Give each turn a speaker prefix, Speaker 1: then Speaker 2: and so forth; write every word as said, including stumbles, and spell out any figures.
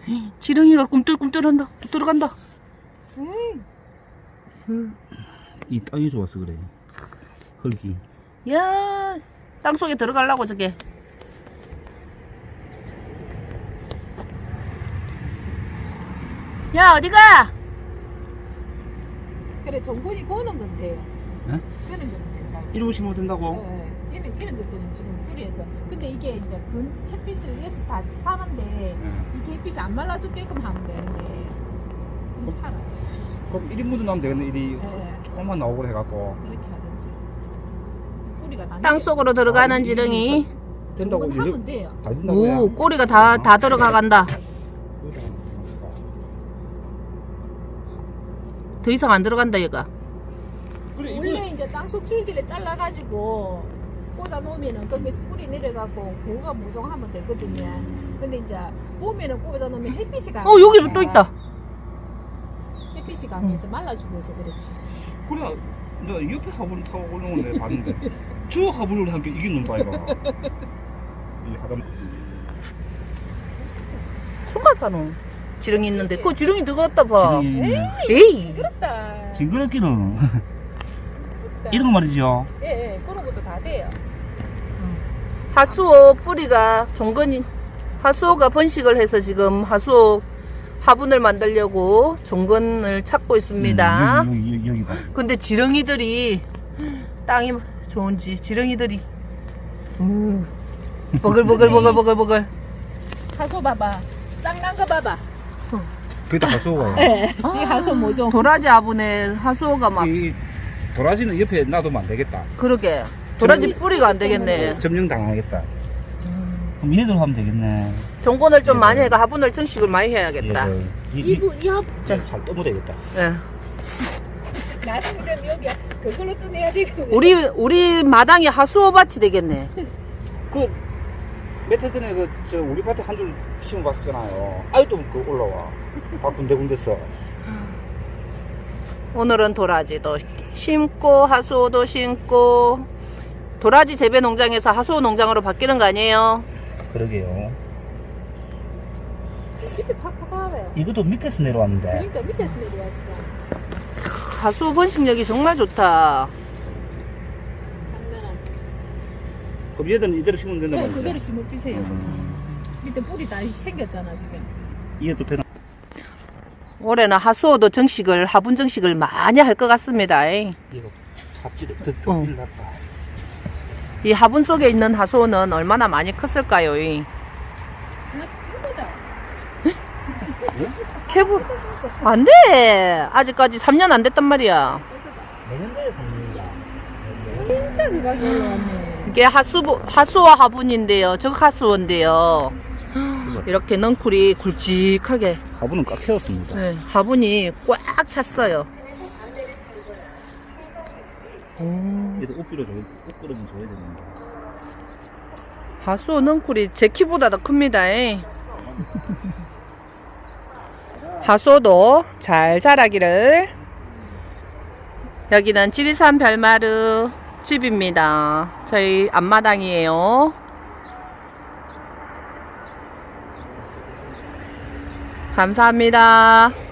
Speaker 1: 지렁이가 꿈틀꿈틀한다. 들어간다.
Speaker 2: 음. 이 땅이 좋았어 그래. 흙이.
Speaker 1: 야, 땅 속에 들어가려고 저게. 야, 어디가?
Speaker 3: 그래 정권이 거는 건데요.
Speaker 2: 네?
Speaker 3: 거는 거는 된다.
Speaker 2: 이러고 심으면 된다고?
Speaker 3: 예, 예. 이런 이런 것들은 지금 둘이에서. 근데 이게 이제 근 햇빛을 위해서 다 사는데
Speaker 2: 네.
Speaker 3: 이게 햇빛이 안 말라 죽게끔 하면 되는데 그럼 살아.
Speaker 2: 그럼 일 인분도 나오면 되겠네. 일이
Speaker 3: 예,
Speaker 2: 조금만 나오고 해갖고.
Speaker 3: 그렇게 하든지. 지금 뿌리가 다
Speaker 1: 땅 속으로 들어가는
Speaker 2: 아,
Speaker 1: 지렁이.
Speaker 2: 된다고
Speaker 3: 정권
Speaker 2: 이래-
Speaker 3: 하면 돼요.
Speaker 2: 다 된다고요?
Speaker 1: 오, 꼬리가 다, 다 들어가간다. 더 이상 안 들어간다, 얘가.
Speaker 2: 그래
Speaker 3: 원래 이제 땅속 줄기를 잘라가지고 꽂아 놓으면은 거기서 뿌리 내려가고 고가 무성하면 되거든요. 근데 이제 봄에는 꽂아 놓으면 햇빛이 강해.
Speaker 1: 어, 여기도 또 있다.
Speaker 3: 햇빛이 강해서 말라 죽어서 그렇지.
Speaker 2: 그래 내가 옆에 화분 타고 올라오는 데 봤는데 저 화분을 함께 이게 논다 이거. 이 하단
Speaker 1: 손가락으로 지렁이 있는데 그 지렁이 들어갔다 봐.
Speaker 2: 지렁이
Speaker 1: 에이.
Speaker 3: 그렇다.
Speaker 2: 징그럽기는
Speaker 3: 그렇다.
Speaker 2: 이런 거 말이죠.
Speaker 3: 예, 예, 그런 것도 다 돼요.
Speaker 1: 하수오 뿌리가 종근이 하수오가 번식을 해서 지금 하수오 화분을 만들려고 종근을 찾고 있습니다.
Speaker 2: 음, 여기, 여기, 여기 봐.
Speaker 1: 근데 지렁이들이 땅이 좋은지 지렁이들이 음, 버글버글버글버글버글.
Speaker 3: 하소 봐봐. 쌍난 거 봐봐.
Speaker 2: 그게 다 하수가.
Speaker 3: 예. 이 하소 뭐죠?
Speaker 1: 도라지 화분에 하수오가 막
Speaker 2: 이 도라지는 옆에 놔두면 안 되겠다.
Speaker 1: 그러게 도라지 뿌리가 안 되겠네.
Speaker 2: 점령 당하겠다. 그럼 얘들 하면 되겠네.
Speaker 1: 종근을 좀
Speaker 2: 예.
Speaker 1: 많이 해가 화분을 정식을 많이 해야겠다.
Speaker 2: 얘들. 이, 이,
Speaker 3: 이부 이 합.
Speaker 2: 살 떠면 되겠다.
Speaker 1: 예.
Speaker 3: 나중에 되면 여기 그걸로 또 내야 되고.
Speaker 1: 우리 우리 마당에 하수오밭이 되겠네.
Speaker 2: 그 며칠 전에 그 저 우리 밭에 한 줄 심어봤잖아요. 아직도 그 올라와. 다 군데군데 써.
Speaker 1: 오늘은 도라지도 심고 하수오도 심고 도라지 재배 농장에서 하수오 농장으로 바뀌는 거 아니에요?
Speaker 2: 그러게요.
Speaker 3: 밑에 팍팍 봐봐요.
Speaker 2: 이것도 밑에서 내려왔는데.
Speaker 3: 그러니까 밑에서 내려왔어.
Speaker 1: 하수오 번식력이 정말 좋다.
Speaker 3: 장난 아니야.
Speaker 2: 그럼 얘들은 이대로 심으면 된다
Speaker 3: 네,
Speaker 2: 말이죠?
Speaker 3: 그대로 심어 피세요.
Speaker 2: 음,
Speaker 3: 밑에 뿌리 다 챙겼잖아 지금.
Speaker 2: 이해도 되나?
Speaker 1: 올해는 하수오도 정식을 화분 정식을 많이 할 것 같습니다. 이
Speaker 2: 이거 삽질에 더
Speaker 1: 어.
Speaker 2: 일났다.
Speaker 1: 화분 속에 있는 하수오는 얼마나 많이 컸을까요? 이
Speaker 3: 하나 해보자.
Speaker 1: 캐부 안 돼. 아직까지 삼 년 안 됐단 말이야.
Speaker 2: 내년도에 삽니다.
Speaker 3: 진짜 그 가격이 올라왔네.
Speaker 1: 이게 하수 하수오 화분인데요. 적 하수오인데요. 이렇게 넝쿨이 굵직하게
Speaker 2: 화분은 꽉 채웠습니다.
Speaker 1: 네, 화분이 꽉 찼어요. 오,
Speaker 2: 얘도 옷 빌어 줘야, 옷 끌어면 줘야 되는데.
Speaker 1: 하수오 넝쿨이 제 키보다 더 큽니다. 이. 하수오도 잘 자라기를. 여기는 지리산 별마르 집입니다. 저희 앞마당이에요. 감사합니다.